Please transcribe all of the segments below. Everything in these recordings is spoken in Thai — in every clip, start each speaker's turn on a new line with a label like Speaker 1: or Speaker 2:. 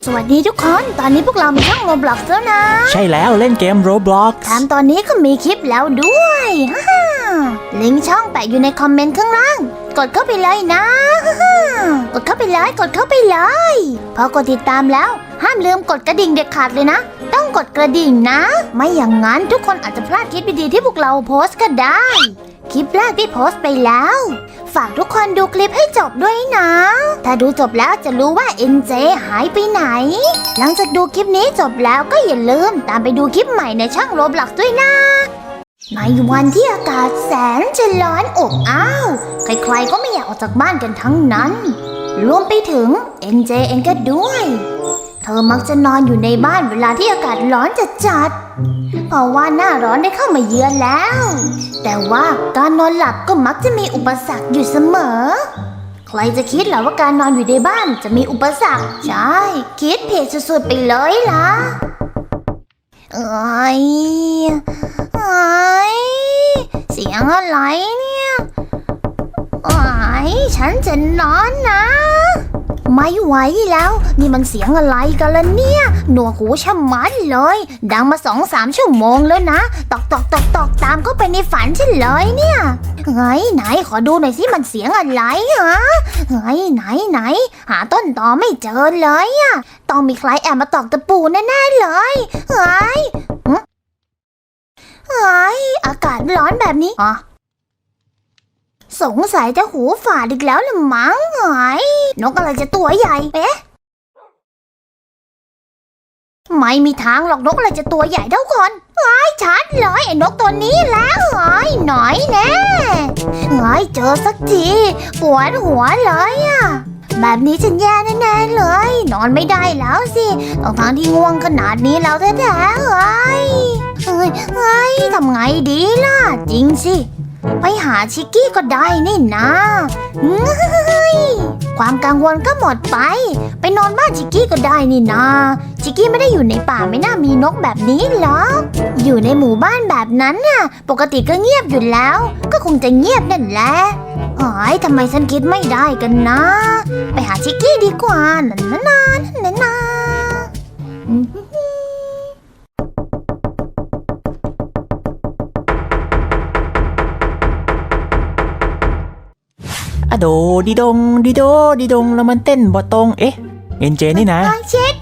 Speaker 1: สวัสดีทุกคน ตอนนี้พวกเรามีช่อง Roblox แล้วนะ
Speaker 2: ใช่แล้วเล่นเกม Roblox
Speaker 1: แถมตอนนี้ก็มีคลิปแล้วด้วยฮ่าลิงก์ช่องแปะอยู่ในคอมเมนต์ข้างล่าง กดเข้าไปเลยนะฮ่ากดเข้าไปเลยกดเข้าไปเลยพอกดติดตามแล้วห้ามลืมกดกระดิ่งเด็ดขาดเลยนะ ต้องกดกระดิ่งนะ ไม่อย่างนั้นทุกคนอาจจะพลาดคลิปดีๆที่พวกเราโพสต์ก็ได้ คลิปแรกที่โพสต์ไปแล้ว ฝากทุกคนดูคลิปให้จบด้วยนะ ถ้าดูจบแล้วจะรู้ว่า NJ หายไปไหน หลังจากดูคลิปนี้จบแล้วก็อย่าลืมตามไปดูคลิปใหม่ในช่อง Roblox ด้วยนะ ในวันที่อากาศแสนจะร้อนอบอ้าว ใครๆก็ไม่อยากออกจากบ้านกันทั้งนั้น รวมไปถึง NJ เองก็ด้วย เธอมักจะนอนอยู่ในบ้านเวลาที่อากาศร้อนจัดๆเพราะว่าหน้าร้อนได้เข้ามาเยือนแล้ว แต่ว่าการนอนหลับก็มักจะมีอุปสรรคอยู่เสมอ ใครจะคิดเหรอว่าการนอนอยู่ในบ้านจะมีอุปสรรค ใช่ คิดผิดสุดๆไปเลยล่ะเอ้ยเสียงอะไรเนี่ยฉันจะนอนนะ ไม่ไหวแล้ว นี่มันเสียงอะไรกันล่ะเนี่ยหนวกหูชะมัดเลย ดังมา2-3 ชั่วโมงแล้วนะตอกตามเข้าไปในฝันฉันเลยเนี่ยไหนขอดูหน่อยสิมันเสียงอะไรฮะไหนหาต้นตอไม่เจอเลยอะต้องมีใครแอบมาตอกตะปูแน่ๆเลยอากาศร้อนแบบนี้สงสัยจะหูฝาดอีกแล้วละมั้งนกอะไรจะตัวใหญ่ไม่มีทางหรอกนกอะไรจะตัวใหญ่เท่าคนชัดเลยไอ้นกตัวนี้แล้วหน่อยแน่เจอสักทีปวดหัวเลยอะแบบนี้ฉันแย่แน่ๆเลยนอนไม่ได้แล้วสิทั้งที่ง่วงขนาดนี้แล้วแท้ๆทำไงดีล่ะจริงสิไปหาชิกกี้ก็ได้นี่นะความกังวลก็หมดไปนอนบ้านชิกกี้ก็ได้นี่นะชิกกี้ไม่ได้อยู่ในป่าไม่น่ามีนกแบบนี้หรอกอยู่ในหมู่บ้านแบบนั้นน่ะปกติก็เงียบอยู่แล้วก็คงจะเงียบนั่นแหละทำไมฉันคิดไม่ได้กันนะ ไปหาชิกกี้ดีกว่านั่น
Speaker 2: อะโดดีดงดีโดดีดงแล้วมันเต้นบ่ตรงเอ๊ะเอ็นเจนี่นะ
Speaker 1: เช็ค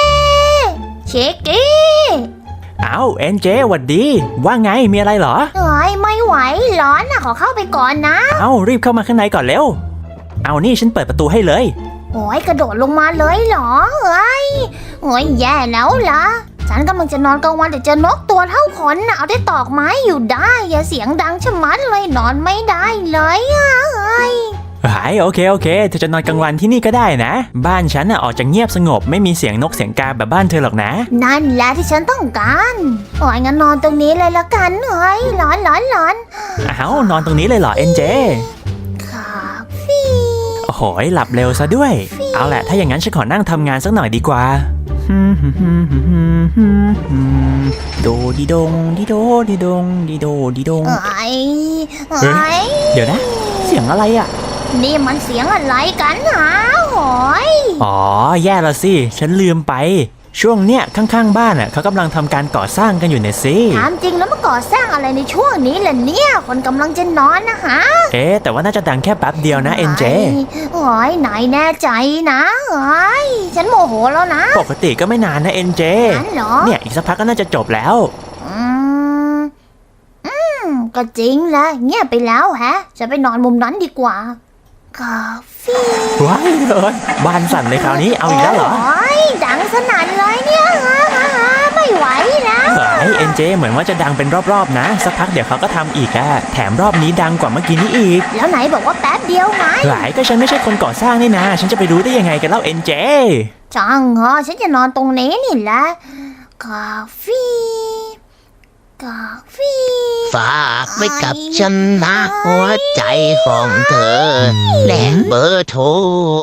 Speaker 1: กี้
Speaker 2: อ้าวเอ็นเจหวัดดีว่าไงมีอะไรเหรอ
Speaker 1: ไม่ไหวร้อนนะขอเข้าไปก่อนนะ
Speaker 2: รีบเข้ามาข้างในก่อนเร็วนี่ฉันเปิดประตูให้เลย
Speaker 1: กระโดดลงมาเลยเหรอแย่แล้วล่ะฉันกำลังจะนอนกลางวันแต่เจอนกตัวเท่าขนเอาได้ตอกไม้อยู่ได้อย่าเสียงดังชะมัดเลยนอนไม่ได้เลย
Speaker 2: โอเคเธอจะนอนกลางวันที่นี่ก็ได้นะบ้านฉันออกจะเงียบสงบไม่มีเสียงนกเสียงกาแบบบ้านเธอหรอกนะ
Speaker 1: นั่นแหละที่ฉันต้องการงั้นนอนตรงนี้เลยละกันร้อน
Speaker 2: นอนตรงนี้เลยเหรอเอ็นเจโอ้โหหลับเร็วซะด้วยเอาแหละถ้าอย่างนั้นฉันขอนั่งทำงานสักหน่อยดีกว่าโดดีดงดีโดดีดงดีโดดีดงเดี๋ยวนะเสียงอะไรอ่ะ
Speaker 1: นี่มันเสียงอะไรกัน
Speaker 2: แย่ละสิฉันลืมไปช่วงเนี้ยข้างๆบ้านเขากำลังทำการก่อสร้างกันอยู่เนี่ยสิ
Speaker 1: ถามจริงแล้วมาก่อสร้างอะไรในช่วงนี้ล่ะเนี่ยคนกำลังจะนอนนะฮะ
Speaker 2: แต่ว่าน่าจะดังแค่แป๊บเดียวนะเอ็นเจ
Speaker 1: ไหนแน่ใจนะฉันโมโหแล้วนะ
Speaker 2: ปกติก็ไม่นานนะเอ็นเจเนี่ยอีกสักพักก็น่าจะจบแล้ว
Speaker 1: ก็จริงแหละเงียบไปแล้วจะไปนอนมุมนั้นดีกว่ากาแฟ
Speaker 2: ว้ายเลยบ้านสั่นเลยคราวนี้เอาอีกแล้วเหรอ
Speaker 1: ดังสนั่นเลยเนี่ยไม่ไหวแล้ว
Speaker 2: เอ็นเจเหมือนว่าจะดังเป็นรอบๆนะสักพักเดี๋ยวเขาก็ทำอีกแถมรอบนี้ดังกว่าเมื่อกี้นี้อีก
Speaker 1: แล้วไหนบอกว่าแป๊บเดียวไง
Speaker 2: ก็ฉันไม่ใช่คนก่อสร้างนี่นะฉันจะไปรู้ได้ยังไงกันเล่าเอ็นเจ
Speaker 1: จังฉันจะนอนตรงนี้นี่แหละกาแฟ
Speaker 3: ฝากไว้กับฉันนะหัวใจของเธอและเบอร์โทร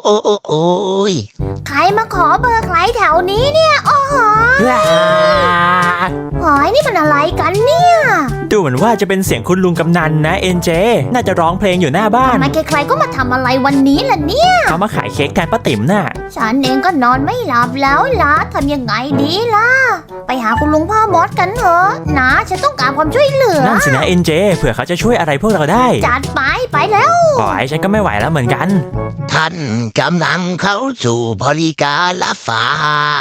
Speaker 1: ใครมาขอเบอร์ใครแถวนี้เนี่ยนี่มันอะไรกันเนี่ย
Speaker 2: ดูเหมือนว่าจะเป็นเสียงคุณลุงกำนันนะเอ็นเจน่าจะร้องเพลงอยู่หน้าบ้าน
Speaker 1: ทำไมใครๆก็มาทำอะไรวันนี้ล่ะเนี่ย
Speaker 2: เขามาขายเค้กแทนป้าติ๋มน่ะ
Speaker 1: ฉันเองก็นอนไม่หลับแล้วล่ะทำยังไงดีล่ะ ไปหาคุณลุงพ่อมดกันเถอะนะฉันต้องการความช่วยเหลือ
Speaker 2: นั่นสินะเอ็นเจเผื่อเขาจะช่วยอะไรพวกเราได้
Speaker 1: จัดไปแล้ว
Speaker 2: ปล่อยฉันก็ไม่ไหวแล้วเหมือนกัน
Speaker 3: ท่านกำลังเข้าสู่บริการรับฝาก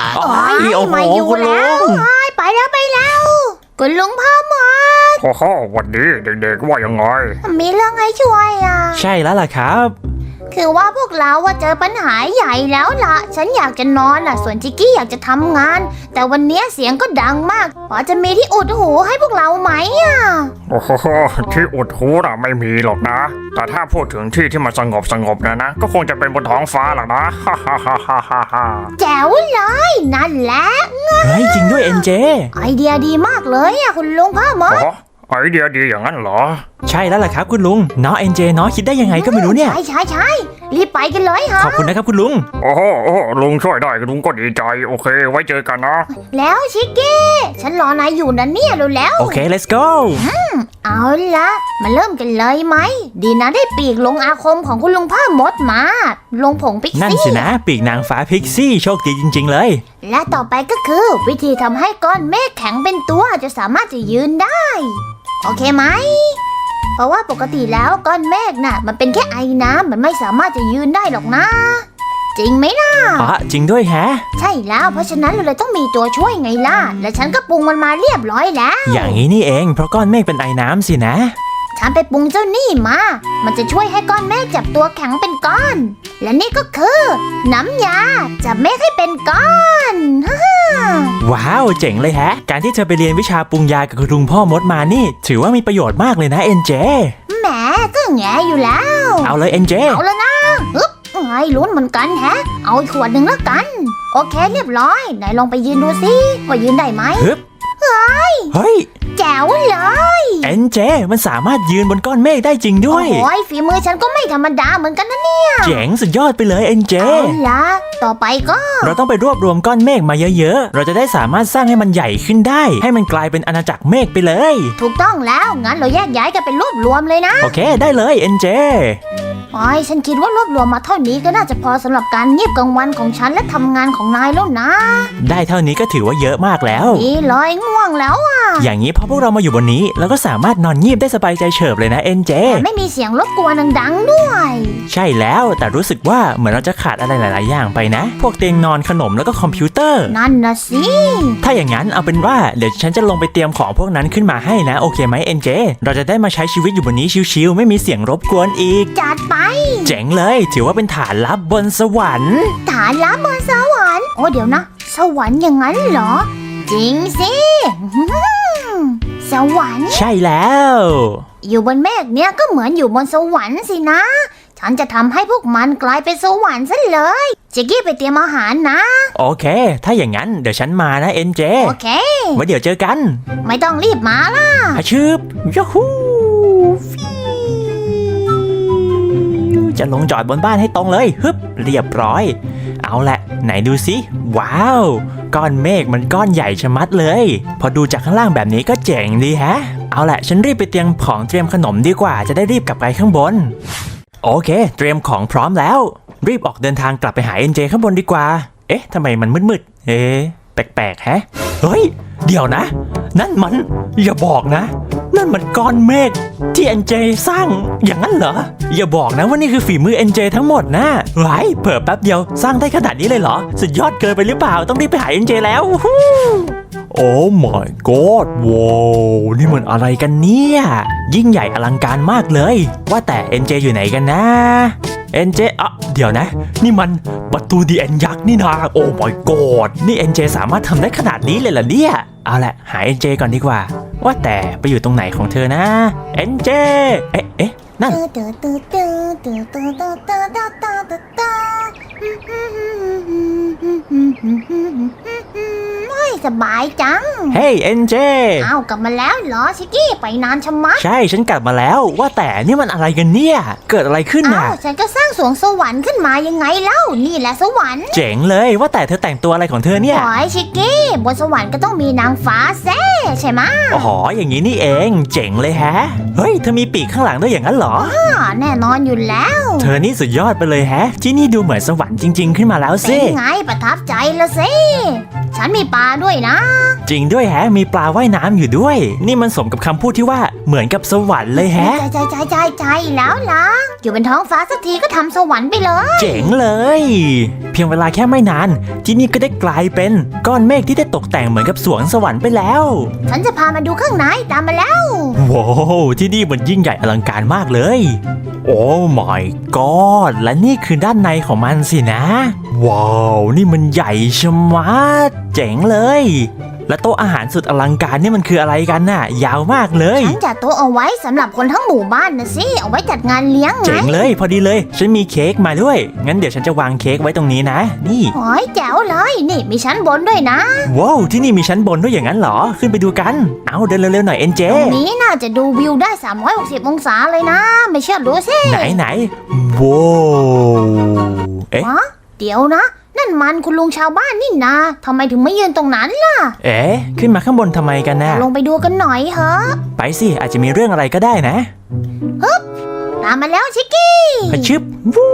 Speaker 2: โอ้ยโอ้โห
Speaker 1: ไม่อยู่
Speaker 2: คุณลุ
Speaker 1: แล้ว
Speaker 2: ง
Speaker 1: ไปแล้วคุณลุงพ่อมด
Speaker 4: โอ้โหวันนี้เด็กๆว่ายังไง
Speaker 1: มีเรื่องให้ช่วยอ่ะ
Speaker 2: ใช่แล้วล่ะครับ
Speaker 1: คือว่าพวกเราว่าเจอปัญหาใหญ่แล้วล่ะ ฉันอยากจะนอนล่ะ ส่วนจิกกี้อยากจะทำงาน แต่วันนี้เสียงก็ดังมาก พอจะมีที่อุดหูให้พวกเราไหมอ่ะ
Speaker 4: โอ้โหที่อุดหูน่ะไม่มีหรอกนะ แต่ถ้าพูดถึงที่ที่มันสงบนะก็คงจะเป็นบนท้องฟ้าหรอกนะฮ่าฮ่าฮ่าฮ่าฮ่าฮ่า
Speaker 1: แจ๋วเลยนั่นแหละ
Speaker 2: เฮ้ยจริงด้วยเอ็นเจ
Speaker 1: ไอเดียดีมากเลยอ่ะคุณลุงพ่อมด
Speaker 4: โอ้ไอเดียดีอย่างนั้นเหรอ
Speaker 2: ใช่แล้วล่ะครับคุณลุงเนาะเอ็นเจเนาะคิดได้ยังไงก็ไม่รู้เนี่ย
Speaker 1: ใช่รีบไปกันเลยฮะ
Speaker 2: ขอบคุณนะครับคุณลุง
Speaker 4: โอ้โหลุงช่วยได้ลุงก็ดีใจโอเค ไว้เจอกันนะ
Speaker 1: แล้วชิกกี้ฉันรอนายอยู่นะเนี่ยรู้แล้ว
Speaker 2: โอเค let's go
Speaker 1: เอาละมาเริ่มกันเลยไหม ดีนะได้ปีกลงอาคมของคุณลุงพ่อมดมา ลงผงพิก
Speaker 2: นั่น
Speaker 1: ซี่
Speaker 2: สินะปีกนางฟ้าพิกซี่โชคดีจริง ๆ เลย
Speaker 1: และต่อไปก็คือ วิธีทำให้ก้อนเมฆแข็งเป็นตัวจะสามารถจะยืนได้ โอเคไหม เพราะว่าปกติแล้วก้อนเมฆน่ะ มันเป็นแค่ไอน้ำมันไม่สามารถจะยืนได้หรอกนะ จริงไหมล่ะ
Speaker 2: อ๋อจริงด้วยแฮะ
Speaker 1: ใช่แล้วเพราะฉะนั้นเราเลยต้องมีตัวช่วยไงล่ะ และฉันก็ปรุงมันมาเรียบร้อยแล้ว
Speaker 2: อย่างนี้นี่เองเพราะก้อนเมฆเป็นไอน้ำสินะ
Speaker 1: ฉันไปปรุงเจ้านี่มา มันจะช่วยให้ก้อนเมฆจับตัวแข็งเป็นก้อน และนี่ก็คือ น้ำยาจับเมฆให้เป็นก้อน
Speaker 2: ว้าวเจ๋งเลยแฮะ การที่เธอไปเรียนวิชาปรุงยากับคุณลุงพ่อมดมานี่ ถือว่ามีประโยชน์มากเลยนะเอ็นเจ
Speaker 1: แหมก็แงอยู่แล้ว
Speaker 2: เอาเลยเอ็นเจ
Speaker 1: เอาแล้วนะอึ๊บไอ้ลุ้นเหมือนกันแฮะ เอาอีกขวดหนึ่งแล้วกัน โอเคเรียบร้อยไหนลองไปยืนดูสิว่ายืนได้ไหม
Speaker 2: ฮึบเฮ้ย
Speaker 1: แจ๋วเลย
Speaker 2: เอ็นเจมันสามารถยืนบนก้อนเมฆได้จริงด้วย
Speaker 1: โอ้ยฝีมือฉันก็ไม่ธรรมดาเหมือนกันนะเนี่ย
Speaker 2: เจ๋งสุดยอดไปเลยเอ็นเจ
Speaker 1: เอาละต่อไปก็
Speaker 2: เราต้องไปรวบรวมก้อนเมฆมาเยอะๆ เราจะได้สามารถสร้างให้มันใหญ่ขึ้นได้ ให้มันกลายเป็นอาณาจักรเมฆไปเลย
Speaker 1: ถูกต้องแล้วงั้นเราแยกย้ายกันเป็นรวบรวมเลยนะ
Speaker 2: โอเคได้เลยเอ็นเจ
Speaker 1: โอ้ยฉันคิดว่ารวบรวมมาเท่านี้ก็น่าจะพอสำหรับการเงียบกลางวันของฉันและทำงานของนายแล้วนะ
Speaker 2: ได้เท่านี้ก็ถือว่าเยอะมากแล้ว
Speaker 1: ดีเลยง่วงแล้วอ่ะ
Speaker 2: อย่างนี้พอพวกเรามาอยู่บนนี้เราก็สามารถนอนงีบได้สบายใจเฉิบเลยนะเอ็นเจ
Speaker 1: แต่ไม่มีเสียงรบกวนดังๆด้วย
Speaker 2: ใช่แล้วแต่รู้สึกว่าเหมือนเราจะขาดอะไรหลาย ๆ อย่างไปนะ พวกเตียงนอนขนมแล้วก็คอมพิวเตอร์
Speaker 1: นั่นนะสิ
Speaker 2: ถ้าอย่างนั้นเอาเป็นว่าเดี๋ยวฉันจะลงไปเตรียมของพวกนั้นขึ้นมาให้นะโอเคไหมเอ็นเจเราจะได้มาใช้ชีวิตอยู่บนนี้ชิวๆไม่มีเสียงรบกวนอีก
Speaker 1: จัดไป
Speaker 2: เจ๋งเลยถือว่าเป็นฐานลับบนสวรรค์
Speaker 1: ฐานลับบนสวรรค์โอ้เดี๋ยวนะ สวรรค์อย่างนั้นเหรอ จริงสิสวรรค์
Speaker 2: ใช่แล้ว
Speaker 1: อยู่บนเมฆเนี่ยก็เหมือนอยู่บนสวรรค์สินะ ฉันจะทำให้พวกมันกลายเป็นสวรรค์ซะเลยจิกกี้ไปเตรียมอาหารนะ
Speaker 2: โอเค ถ้าอย่างนั้นเดี๋ยวฉันมานะเอ็นเจ
Speaker 1: โอเค
Speaker 2: ไว้เดี๋ยวเจอกัน
Speaker 1: ไม่ต้องรีบมาล่ะ
Speaker 2: อาชืบยูฮูจะลงจอดบนบ้านให้ตรงเลยฮึบเรียบร้อย เอาละไหนดูสิว้าวก้อนเมฆมันก้อนใหญ่ชะมัดเลย พอดูจากข้างล่างแบบนี้ก็เจ๋งดีแฮะ เอาละฉันรีบไปเตรียมของเตรียมขนมดีกว่าจะได้รีบกลับไปข้างบนโอเค เตรียมของพร้อมแล้ว รีบออกเดินทางกลับไปหาเอ็นเจข้างบนดีกว่าเอ๊ะทำไมมันมืดๆแปลกๆแฮะเฮ้ยเดี๋ยวนะ นั่นมันอย่าบอกนะ นั่นมันก้อนเมฆที่เอ็นเจสร้างอย่างนั้นเหรออย่าบอกนะว่านี่คือฝีมือเอ็นเจทั้งหมดนะไว้เผิ่แป๊บเดียวสร้างได้ขนาดนี้เลยเหรอสุดยอดเกินไปหรือเปล่าต้องรีบไปหาเอ็นเจแล้วโอ้ my god ว้าวนี่มันอะไรกันเนี่ยยิ่งใหญ่อลังการมากเลยว่าแต่เอ็นเจอยู่ไหนกันนะเอ็นเจเดี๋ยวนะนี่มันประตูดีเอ็นยักษ์นี่นะโอ้ my god นี่เอ็นเจสามารถทำได้ขนาดนี้เลยเหรอเนี่ยเอาละหาเอ็นเจก่อนดีกว่าว่าแต่ไปอยู่ตรงไหนของเธอนะเอ็นเจเอ๊ะนั่น
Speaker 1: เฮ้ยสบายจัง
Speaker 2: เฮ้ยเอ็นเจ
Speaker 1: อ้าวกลับมาแล้วเหรอชิกกี้ไปนานชะมัด
Speaker 2: ใช่ฉันกลับมาแล้วว่าแต่นี่มันอะไรกันเนี่ยเกิดอะไรขึ้น
Speaker 1: อ้า
Speaker 2: น่ะ
Speaker 1: วฉันก็สร้างสวงสวรรค์ขึ้นมายังไงเล่านี่แหละสวรรค์
Speaker 2: เจ๋งเลยว่าแต่เธอแต่งตัวอะไรของเธอเนี่ย
Speaker 1: โอ้ยชิกกี้บนสวรรค์ก็ต้องมีนางฟ้าแซ่ใช่ไหมะ
Speaker 2: อ๋ออย่างนี้นี่เองเจ๋งเลยแฮะเฮ้ยเธอมีปีกข้างหลังด้วยอย่างนั้นเหรอ
Speaker 1: แน่นอนอยู่แล้ว
Speaker 2: เธอนี่สุดยอดไปเลยแฮะ ที่นี่ดูเหมือนสวรรค์จริง ๆ ขึ้นมาแล้ว
Speaker 1: เป็
Speaker 2: สิ
Speaker 1: นไงประทับใจละสิฉันมีปลาด้วยนะ
Speaker 2: จริงด้วยแฮะ มีปลาว่ายน้ำอยู่ด้วย นี่มันสมกับคำพูดที่ว่าเหมือนกับสวรรค์เลยแฮะ
Speaker 1: ใจแล้วล่ะอยู่บนท้องฟ้าสักทีก็ทำสวรรค์ไปเลย
Speaker 2: เจ๋งเลย เพียงเวลาแค่ไม่นาน ที่นี่ก็ได้กลายเป็นก้อนเมฆที่ได้ตกแต่งเหมือนกับสวงสวรรค์ไปแล้ว
Speaker 1: ฉันจะพามาดูข้างในตามมาแล้ว
Speaker 2: ว้าวที่นี่มันยิ่งใหญ่อลังการมากเลย โอ้ my god และนี่คือด้านในของมันสินะ ว้าวนี่มันใหญ่ชะมัดเจ๋งเลย และโต๊ะอาหารสุดอลังการนี่มันคืออะไรกันน่ะ ยาวมากเลย
Speaker 1: ฉันจัดโต๊ะเอาไว้สำหรับคนทั้งหมู่บ้านนะสิเอาไว้จัดงานเลี้ยงไง
Speaker 2: เจ๋งเลยพอดีเลยฉันมีเค้กมาด้วย งั้นเดี๋ยวฉันจะวางเค้กไว้ตรงนี้นะ นี่
Speaker 1: โอ้ยแจ๋วเลยนี่มีชั้นบนด้วยนะ
Speaker 2: ว้าวที่นี่มีชั้นบนด้วยอย่างนั้นเหรอ ขึ้นไปดูกัน เอาเดินเร็วๆหน่อยเอ็นเจ
Speaker 1: ตรงนี้น่าจะดูวิวได้360องศาเลยนะ ไม่เชื่อดูสิ
Speaker 2: ไหนว้าวเอ๊ะ
Speaker 1: ฮะเดี๋ยวนะ นั่นมันคุณลุงชาวบ้านนี่นาทำไมถึงไม่ยืนตรงนั้นล่ะ
Speaker 2: เอ๊ะขึ้นมาข้างบนทำไมกันน่ะ
Speaker 1: ลงไปดูกันหน่อยเหอะ
Speaker 2: ไปสิอาจจะมีเรื่องอะไรก็ได้นะ
Speaker 1: ตามมาแล้วชิกกี้
Speaker 2: พะชึบวู้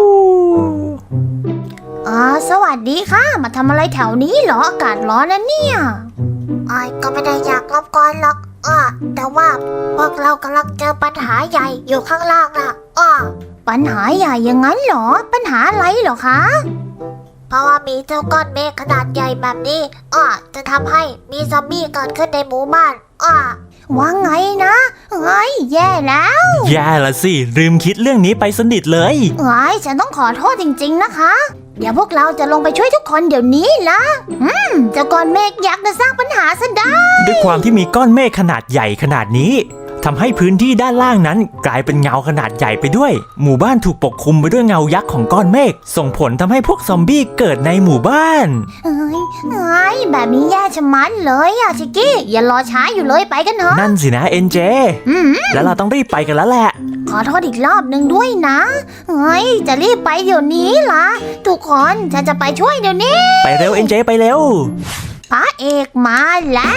Speaker 1: สวัสดีค่ะ มาทำอะไรแถวนี้เหรออากาศร้อนนะเนี่ยก็ไม่ได้อยากรบกวนหรอกแต่ว่าพวกเรากำลังเจอปัญหาใหญ่อยู่ข้างล่างนะปัญหาใหญ่อย่างนั้นเหรอ ปัญหาอะไรเหรอคะ เพราะว่ามีเจ้าก้อนเมฆขนาดใหญ่แบบนี้จะทำให้มีซอมบี้เกิดขึ้นในหมู่บ้านว่าไงนะแย่แล้ว
Speaker 2: แย่ละสิลืมคิดเรื่องนี้ไปสนิทเลย
Speaker 1: ฉันต้องขอโทษจริงๆนะคะ เดี๋ยวพวกเราจะลงไปช่วยทุกคนเดี๋ยวนี้ละเจ้าก้อนเมฆยักษ์จะสร้างปัญหาซะได้
Speaker 2: ด้วยความที่มีก้อนเมฆขนาดใหญ่ขนาดนี้ทำให้พื้นที่ด้านล่างนั้นกลายเป็นเงาขนาดใหญ่ไปด้วย หมู่บ้านถูกปกคลุมไปด้วยเงายักษ์ของก้อนเมฆส่งผลทำให้พวกซอมบี้เกิดในหมู่บ้าน
Speaker 1: แบบนี้แย่ชะมัดเลยชิกกี้อย่ารอช้าอยู่เลยไปกันเถอะ
Speaker 2: นั่นสินะเอ็นเจแล้วเราต้องรีบไปกันแล้วแหละ
Speaker 1: ขอโทษอีกรอบหนึ่งด้วยนะจะรีบไปเดี๋ยวนี้ล่ะทุกคนฉันจะไปช่วยเดี๋ยวนี้
Speaker 2: ไปเร็วเอ็นเจไปเร็ว
Speaker 1: พระเอกมาแล้ว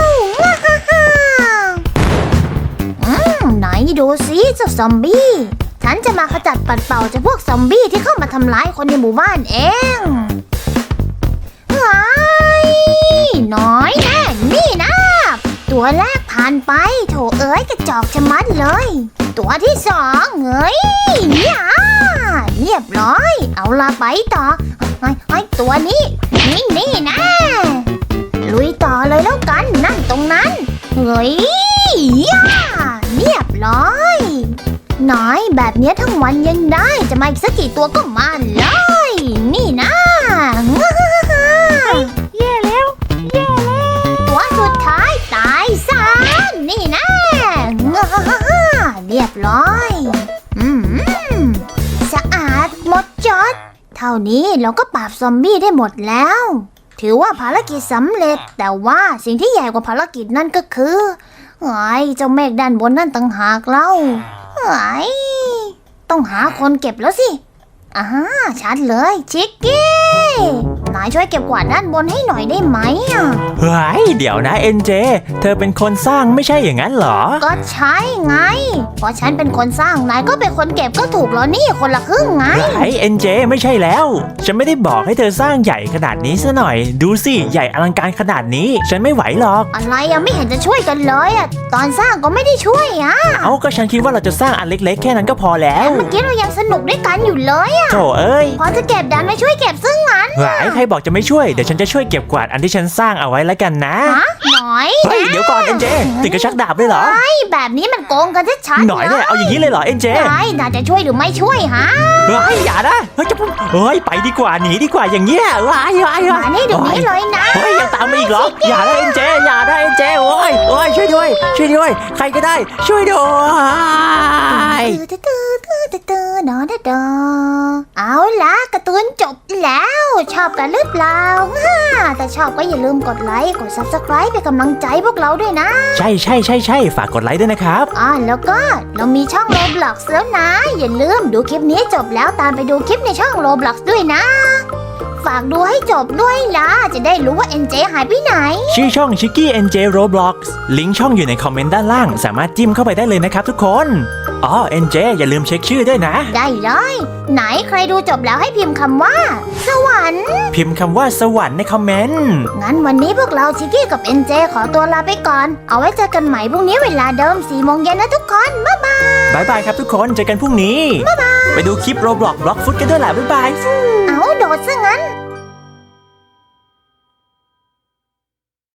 Speaker 1: ไหนดูสิเจ้าซอมบี้ฉันจะมาขจัดปัดเป่าจากพวกซอมบี้ที่เข้ามาทำร้ายคนในหมู่บ้านเองน้อยแน่นี่นะตัวแรกผ่านไปโถเอ้ยกระจอกชะมัดเลย ตัวที่สองเรียบร้อยเอาละไปต่อตัวนี้นี่นะลุยต่อเลยแล้วกันนั่นตรงนั้นเรียบร้อยน้อยแบบเนี้ยทั้งวันยังได้จะมาอีกสักกี่ตัวก็มาเลยนี่นะแย่แล้วตัวสุดท้ายตายซะนี่นะเรียบร้อยสะอาดหมดจดเท่านี้เราก็ปราบซอมบี้ได้หมดแล้วถือว่าภารกิจสำเร็จแต่ว่าสิ่งที่ใหญ่กว่าภารกิจนั่นก็คือเจ้าเมฆด้านบนนั่นต่างหากเล่าต้องหาคนเก็บแล้วสิชัดเลยชิกกี้นายช่วยเก็บกวาดด้านบนให้หน่อยได้ไหม
Speaker 2: เฮ้ยเดี๋ยวนะเอ็นเจเธอเป็นคนสร้างไม่ใช่อย่างนั้นเหรอ
Speaker 1: ก็ใช่ไงเพราะฉันเป็นคนสร้างนายก็เป็นคนเก็บก็ถูกแล้วนี่คนละครึ่งไง
Speaker 2: ไอ้เอ็นเจไม่ใช่แล้วฉันไม่ได้บอกให้เธอสร้างใหญ่ขนาดนี้ซะหน่อยดูสิใหญ่อลังการขนาดนี้ฉันไม่ไหวหรอก
Speaker 1: อะไรไม่เห็นจะช่วยกันเลยตอนสร้างก็ไม่ได้ช่วย
Speaker 2: ก็ฉันคิดว่าเราจะสร้างอันเล็กๆแค่นั้นก็พอแล้ว
Speaker 1: เมื่อกี้เรายังสนุกด้วยกันอยู่เลย
Speaker 2: โธ่เอ้ย
Speaker 1: พอจะเก็บดันไม่ช่วยเก็บซึ่งงั้น
Speaker 2: ใครบอกจะไม่ช่วยเดี๋ยวฉันจะช่วยเก็บกวาดอันที่ฉันสร้างเอาไว้แล้วกันนะ
Speaker 1: หน่อย
Speaker 2: เฮ้ยเดี๋ยวก่อนเอ็นเจติดกระชักดาบเลยเหรอ
Speaker 1: แบบนี้มันโกงกันชัดๆ
Speaker 2: หน่อยเนี่ยเอาอย่างนี้เลยเหรอเอ็นเจ
Speaker 1: น่าจะช่วยหรือไม่ช่วย
Speaker 2: อย่านะไปดีกว่าหนีดีกว่าอย่างเงี้ย
Speaker 1: มานี่เดี๋ยวนี้เลยนะ
Speaker 2: ยังตามมาอีกเหรออย่าได้เอ็นเจโอ้ยช่วยด้วยใครก็ได้ช่วยด้วย
Speaker 1: เอาล่ะการ์ตูนจบแล้วชอบกันหรือเปล่าถ้าชอบก็อย่าลืมกดไลค์ กด Subscribe เป็นกำลังใจพวกเราด้วยนะ
Speaker 2: ใช่ฝากกดไลค์ด้วยนะครับ
Speaker 1: แล้วก็เรามีช่อง Roblox แล้วนะ อย่าลืมดูคลิปนี้จบแล้วตามไปดูคลิปในช่อง Roblox ด้วยนะ ฝากดูให้จบด้วยล่ะ จะได้รู้ว่า NJ หายไปไหน
Speaker 2: ชื่อช่อง Chicky NJ Roblox ลิงก์ช่องอยู่ในคอมเมนต์ด้านล่าง สามารถจิ้มเข้าไปได้เลยนะครับทุกคน NJ อย่าลืมเช็คชื่อด้วยนะ
Speaker 1: ได้เลย ไหนใครดูจบแล้วให้พิมพ์คำว่า สวรรค์
Speaker 2: พิมพ์คำว่าสวรรค์ในคอมเมนต์
Speaker 1: งั้นวันนี้พวกเราชิกกี้กับ NJ ขอตัวลาไปก่อน เอาไว้เจอกันใหม่พรุ่งนี้เวลาเดิม 4 โมงเย็นนะทุกคน บ๊ายบาย
Speaker 2: บายบายครับทุกคน เจอกันพรุ่งนี้ ไปดูคลิป Roblox Blockfoot กันด้วยล่ะบ๊ายบาย
Speaker 1: เอา